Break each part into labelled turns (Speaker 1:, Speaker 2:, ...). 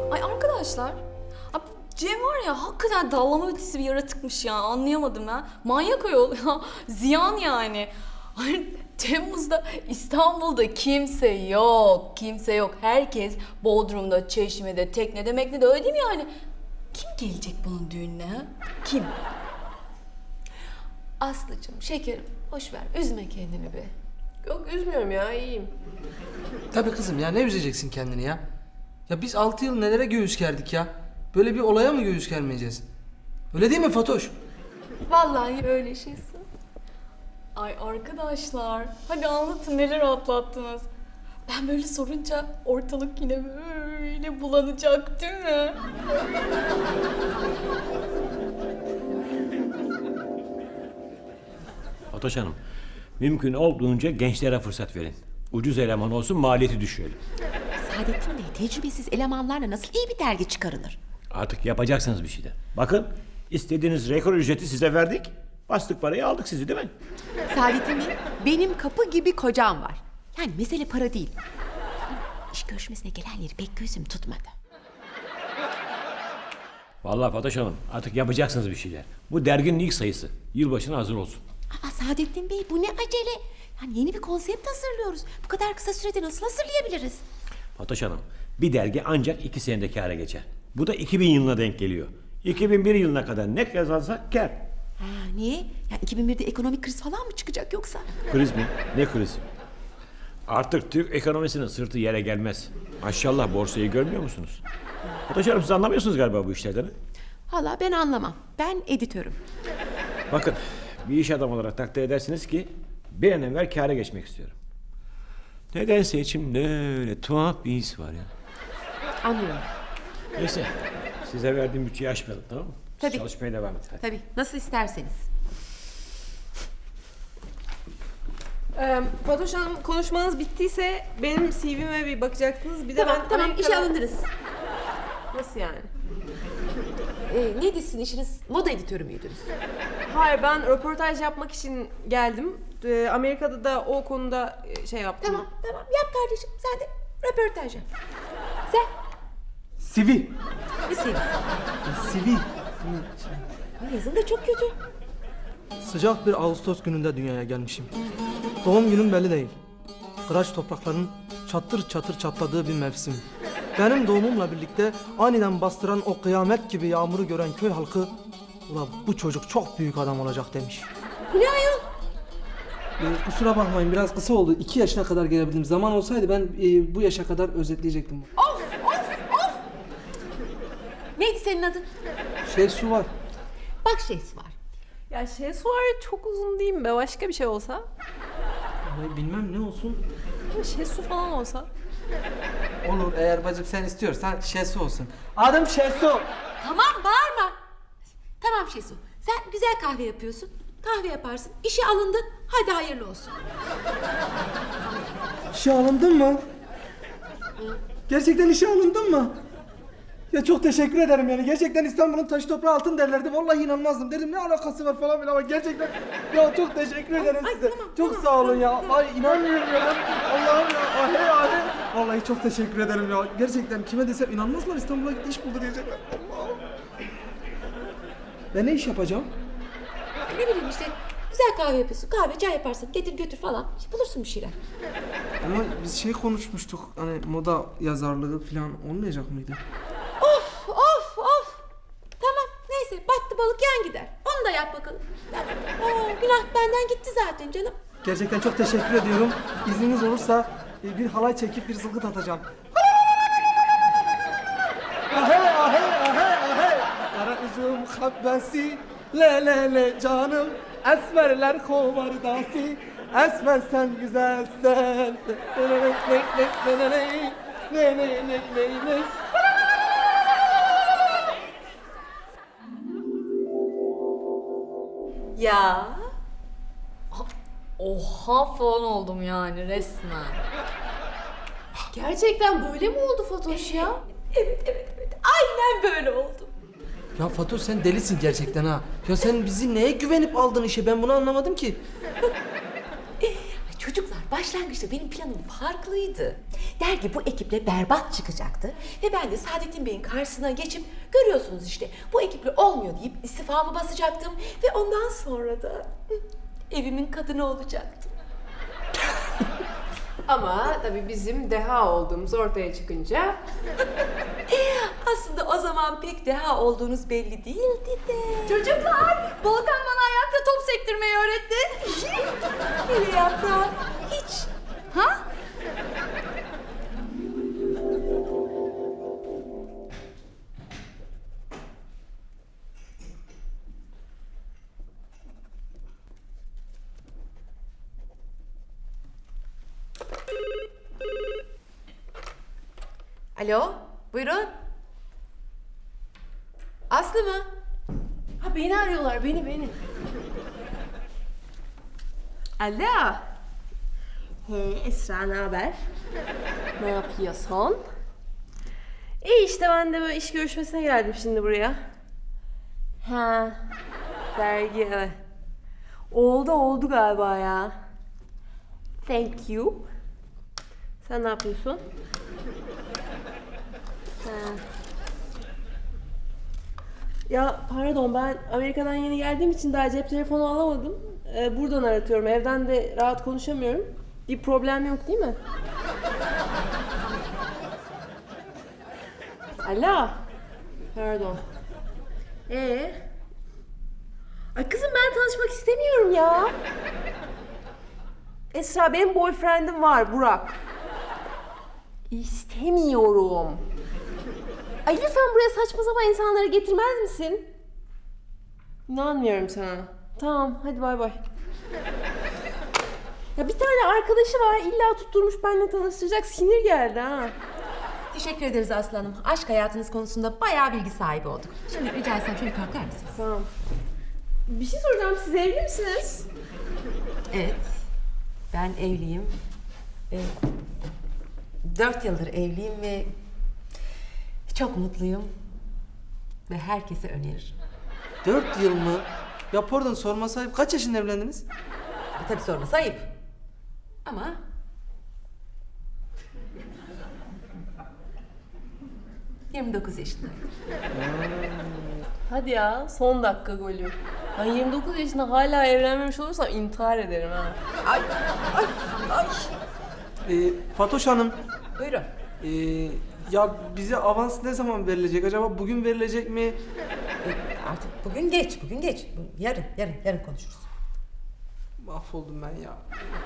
Speaker 1: Ay arkadaşlar, ya Cem var ya hakikaten dallama ötesi bir yaratıkmış ya, anlayamadım ha. Manyak ayol ya, ziyan yani. Ay, Temmuz'da İstanbul'da kimse yok, kimse yok. Herkes Bodrum'da, Çeşme'de, teknede, meknede, öyle değil mi yani? Kim gelecek bunun düğününe ha? Kim?
Speaker 2: Aslıcığım, şekerim, boş ver, üzme kendini be.
Speaker 3: Yok üzmüyorum ya, iyiyim.
Speaker 4: Tabii kızım ya, ne üzeceksin kendini ya? Ya biz 6 yıl nelere göğüs gerdik ya? Böyle bir olaya mı göğüs germeyeceğiz? Öyle değil mi Fatoş?
Speaker 2: Vallahi öyle şeysin.
Speaker 1: Ay arkadaşlar, hadi anlatın neler atlattınız. Ben böyle sorunca ortalık yine böyle bulanacak değil mi?
Speaker 5: Fatoş Hanım, mümkün olduğunca gençlere fırsat verin. Ucuz eleman olsun, maliyeti düşürelim.
Speaker 6: Saadettin Bey, tecrübesiz elemanlarla nasıl iyi bir dergi çıkarılır?
Speaker 5: Artık yapacaksınız bir şeyler. Bakın, istediğiniz rekor ücreti size verdik. Bastık parayı, aldık sizi değil mi?
Speaker 6: Saadettin Bey, benim kapı gibi kocam var. Yani mesele para değil. İş görüşmesine gelenleri pek gözüm tutmadı.
Speaker 5: Vallahi Fatoş Hanım, artık yapacaksınız bir şeyler. Bu derginin ilk sayısı. Yılbaşına hazır olsun.
Speaker 6: Ama Saadettin Bey, bu ne acele? Yani yeni bir konsept hazırlıyoruz. Bu kadar kısa sürede nasıl hazırlayabiliriz?
Speaker 5: Fatoş Hanım, bir dergi ancak 2 senede kâra geçer. Bu da 2000 yılına denk geliyor. 2001 yılına kadar ne kazansak kâr.
Speaker 6: Ha, niye? Yani 2001'de ekonomik kriz falan mı çıkacak yoksa?
Speaker 5: Kriz mi? Ne krizi? Artık Türk ekonomisinin sırtı yere gelmez. Maşallah, borsayı görmüyor musunuz? Fatoş Hanım, siz anlamıyorsunuz galiba bu işlerden.
Speaker 6: Valla ben anlamam. Ben editörüm.
Speaker 5: Bakın, bir iş adamı olarak takdir edersiniz ki bir an evvel kâra geçmek istiyorum. Nedense içimde öyle tuhaf bir his var ya.
Speaker 6: Anlıyorum.
Speaker 5: Neyse, size verdiğim bütçeyi aşmayalım, tamam mı? Siz
Speaker 6: Tabii.
Speaker 5: çalışmaya devam edin. Hadi.
Speaker 6: Tabii, nasıl isterseniz.
Speaker 3: Fatoş Hanım, konuşmanız bittiyse benim CV'me bir bakacaktınız. Bir de
Speaker 6: Tamam,
Speaker 3: ben
Speaker 6: tamam,
Speaker 3: Amerika'da...
Speaker 6: işe alındınız.
Speaker 3: Nasıl yani?
Speaker 6: Neydi sizin işiniz? Moda editörü müydünüz?
Speaker 3: Hayır, ben röportaj yapmak için geldim. Amerika'da da o konuda şey yaptım.
Speaker 6: Tamam, tamam. Yap kardeşim. Sen de röportaj yap. Sen
Speaker 4: Sivi.
Speaker 6: ne sevdin?
Speaker 4: Sivi.
Speaker 6: Yazın da çok kötü.
Speaker 4: Sıcak bir Ağustos gününde dünyaya gelmişim. Doğum günüm belli değil. Kıraç toprakların çatır çatır çatladığı bir mevsim. Benim doğumumla birlikte aniden bastıran o kıyamet gibi yağmuru gören köy halkı "Ulan bu çocuk çok büyük adam olacak" demiş.
Speaker 6: Bu ne ayol?
Speaker 4: Kusura bakmayın, biraz kısa oldu. 2 yaşına kadar gelebildim. Zaman olsaydı ben bu yaşa kadar özetleyecektim.
Speaker 6: Of! Neydi senin adın?
Speaker 4: Su var.
Speaker 6: Bak şeysi var.
Speaker 3: Ya şey var, çok uzun değil mi be? Başka bir şey olsa?
Speaker 4: Bilmem ne olsun.
Speaker 3: Şey su falan olsa?
Speaker 4: Olur, eğer bacım sen istiyorsan Şesu olsun. Adım Şesu.
Speaker 6: Tamam, bağırma. Tamam Şesu. Sen güzel kahve yapıyorsun. Kahve yaparsın. İşe alındın. Hadi hayırlı olsun.
Speaker 4: İşe alındın mı? Gerçekten işe alındın mı? Ya çok teşekkür ederim yani. Gerçekten İstanbul'un taşı toprağı altın derlerdi. Vallahi inanmazdım. Dedim ne alakası var falan filan ama gerçekten ya çok teşekkür ederim size. Çok sağ olun ya. Ay inanmıyorum ya. Allah'ım ya. Ahe ahe. Vallahi çok teşekkür ederim ya. Gerçekten kime desem inanmazlar, İstanbul'a gitti iş buldu diyecekler. Allah'ım. Ben ne iş yapacağım?
Speaker 6: Ne bileyim işte. Güzel kahve yapıyorsun. Kahve, çay yaparsın. Getir götür falan. İşte bulursun bir şeyler.
Speaker 4: Ama biz şey konuşmuştuk. Hani moda yazarlığı falan olmayacak mıydı?
Speaker 6: Of! Tamam, neyse. Battı balık yan gider. Onu da yap bakalım. Tamam. Günah benden gitti zaten canım.
Speaker 4: Gerçekten çok teşekkür ediyorum. İzniniz olursa bir halay çekip bir zılgıt atacağım. Ahe. Kara üzüm habbesi, le canım. Esmerler kovardası, esmer sen güzelsen. Ne.
Speaker 1: Ya. Oha falan oldum yani resmen.
Speaker 3: Gerçekten böyle mi oldu Fatoş ya?
Speaker 6: Evet. Aynen böyle oldu.
Speaker 4: Ya Fatoş, sen delisin gerçekten ha. Ya sen bizi neye güvenip aldın işe, ben bunu anlamadım ki.
Speaker 6: Çocuklar başlangıçta benim planım farklıydı. Dergi bu ekiple berbat çıkacaktı. Ve ben de Saadettin Bey'in karşısına geçip görüyorsunuz işte bu ekiple olmuyor deyip istifamı basacaktım. Ve ondan sonra da evimin kadını olacaktım.
Speaker 3: Ama tabii bizim deha olduğumuz ortaya çıkınca
Speaker 6: Aslında o zaman pek deha olduğunuz belli değildi de.
Speaker 1: Çocuklar, Volkan bana ayakta top sektirmeyi öğretti.
Speaker 6: Hele yaprağım, hiç.
Speaker 1: Ha?
Speaker 6: Alo, buyurun. Aslı mı?
Speaker 3: ha beni arıyorlar beni. Alo. Hey Esra ne haber? Ne yapıyorsun? İyi işte ben de böyle iş görüşmesine geldim şimdi buraya. Ha. Dergi evet. Oldu galiba ya. Thank you. Sen ne yapıyorsun? Ha. Ya pardon ben Amerika'dan yeni geldiğim için daha cep telefonu alamadım. Buradan aratıyorum. Evden de rahat konuşamıyorum. Bir problem yok değil mi? Alo. Pardon. Ay kızım ben tanışmak istemiyorum ya. Esra benim boyfriendim var Burak. İstemiyorum. Ay lütfen buraya saçma sapan insanları getirmez misin? İnanmıyorum sana. Tamam hadi bay bay. Ya bir tane arkadaşı var illa tutturmuş benimle tanıştıracak sinir geldi ha.
Speaker 6: Teşekkür ederiz Aslı Hanım. Aşk hayatınız konusunda bayağı bilgi sahibi olduk. Şimdi rica etsem şöyle kalkar mısınız?
Speaker 3: Tamam. Bir şey soracağım siz evli misiniz?
Speaker 6: Evet. Ben evliyim. 4 yıldır evliyim ve çok mutluyum. Ve herkese öneririm.
Speaker 4: 4 yıl mı? Ya pardon sorma sahip kaç yaşında evlendiniz?
Speaker 6: Tabii sorması ayıp. Ama 29 yaşındayım.
Speaker 3: Hadi ya son dakika golü. Ben 29 yaşında hala evlenmemiş olursam intihar ederim ha.
Speaker 6: Ay, ay, ay.
Speaker 4: Fatoş Hanım,
Speaker 6: Buyurun.
Speaker 4: ya bize avans ne zaman verilecek acaba? Bugün verilecek mi?
Speaker 6: Artık bugün geç. Yarın konuşuruz.
Speaker 4: Mahvoldum ben ya.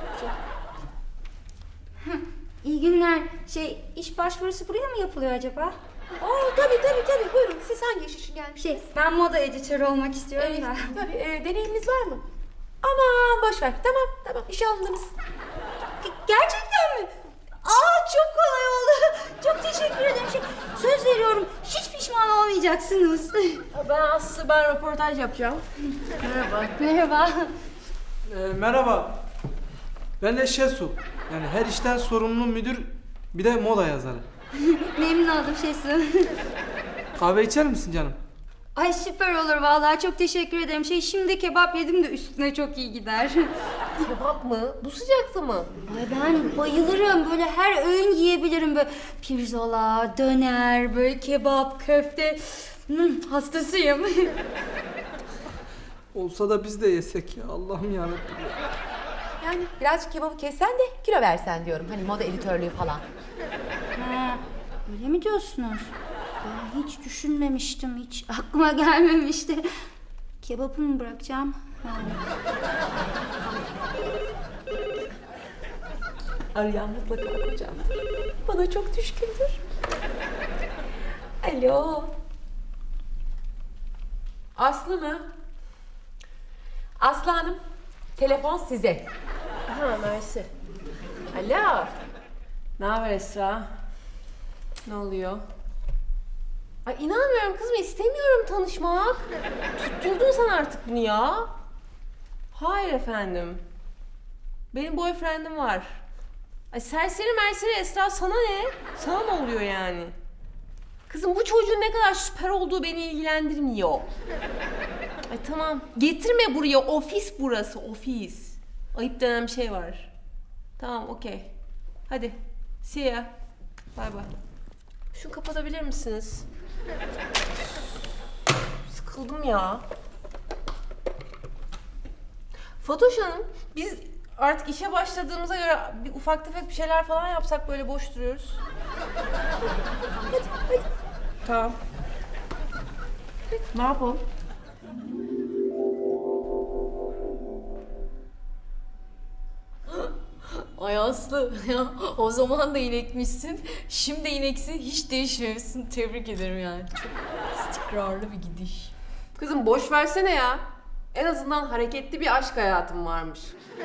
Speaker 7: İyi günler. İş başvurusu buraya mı yapılıyor acaba?
Speaker 6: Tabii. Buyurun. Siz hangi iş için gelmişsiniz?
Speaker 7: Ben moda editörü olmak istiyorum da.
Speaker 6: Tabii. Deneyiminiz var mı? Aman boş ver. Tamam. İşe alındınız.
Speaker 7: Gerçekten mi? Çok kolay oldu. Çok teşekkür ederim. Söz veriyorum. Hiç pişman olmayacaksınız.
Speaker 3: Ben röportaj yapacağım.
Speaker 7: Merhaba.
Speaker 4: Merhaba. Ben de Şesu. Yani her işten sorumlu müdür, bir de moda yazarı.
Speaker 7: Memnun oldum Şesu.
Speaker 4: Kahve içer misin canım?
Speaker 7: Ay süper olur vallahi. Çok teşekkür ederim. Şimdi kebap yedim de üstüne çok iyi gider.
Speaker 3: Kebap mı? Bu sıcakta mı?
Speaker 7: Ay ben bayılırım. Böyle her öğün yiyebilirim. Böyle pirzola, döner, böyle kebap, köfte. Hastasıyım.
Speaker 4: Olsa da biz de yesek ya. Allah'ım yarabbim.
Speaker 6: Yani birazcık kebabı kessen de kilo versen diyorum. Hani moda editörlüğü falan.
Speaker 7: Ha, öyle mi diyorsunuz? Ben hiç düşünmemiştim. Hiç aklıma gelmemişti. Kebabı mı bırakacağım? Ha.
Speaker 6: Arayan mutlaka kocam. Bana çok düşkündür. Alo. Aslı mı? Aslı Hanım, telefon size.
Speaker 3: Ha mersi. Alo. Ne haber Esra? Ne oluyor? Ay inanmıyorum kızım istemiyorum tanışmak. Tutturdun sen artık bunu ya. Hayır efendim. Benim boyfriendim var. Ay serseri merseri Esra sana ne? Sana ne oluyor yani? Kızım bu çocuğun ne kadar süper olduğu beni ilgilendirmiyor. Ay tamam. Getirme buraya. Ofis burası. Ofis. Ayıp denen bir şey var. Tamam, okey. Hadi. See ya. Bay bay. Şunu kapatabilir misiniz? Sıkıldım ya. Fatoş Hanım, biz artık işe başladığımıza göre bir ufak tefek bir şeyler falan yapsak, böyle boş duruyoruz. Hadi. Tamam. Ne yapalım?
Speaker 1: Ay Aslı ya o zaman da inekmişsin. Şimdi ineksin hiç değişmemişsin. Tebrik ederim yani. Çok istikrarlı bir gidiş.
Speaker 3: Kızım boş versene ya. En azından hareketli bir aşk hayatım varmış.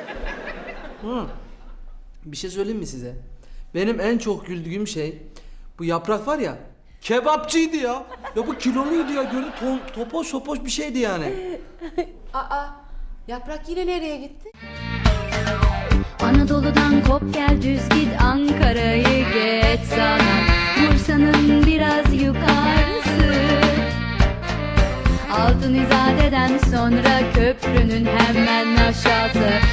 Speaker 4: Bir şey söyleyeyim mi size? Benim en çok güldüğüm şey bu Yaprak var ya, kebapçıydı ya. Ya bu kiloluydu ya, gördün topoş topoş bir şeydi yani.
Speaker 2: Aa, Yaprak yine nereye gitti?
Speaker 8: Anadolu'dan kop gel düz git Ankara'yı geç sana Bursa'nın biraz yukarısı Altın İzade'den sonra köprünün hemen aşağısı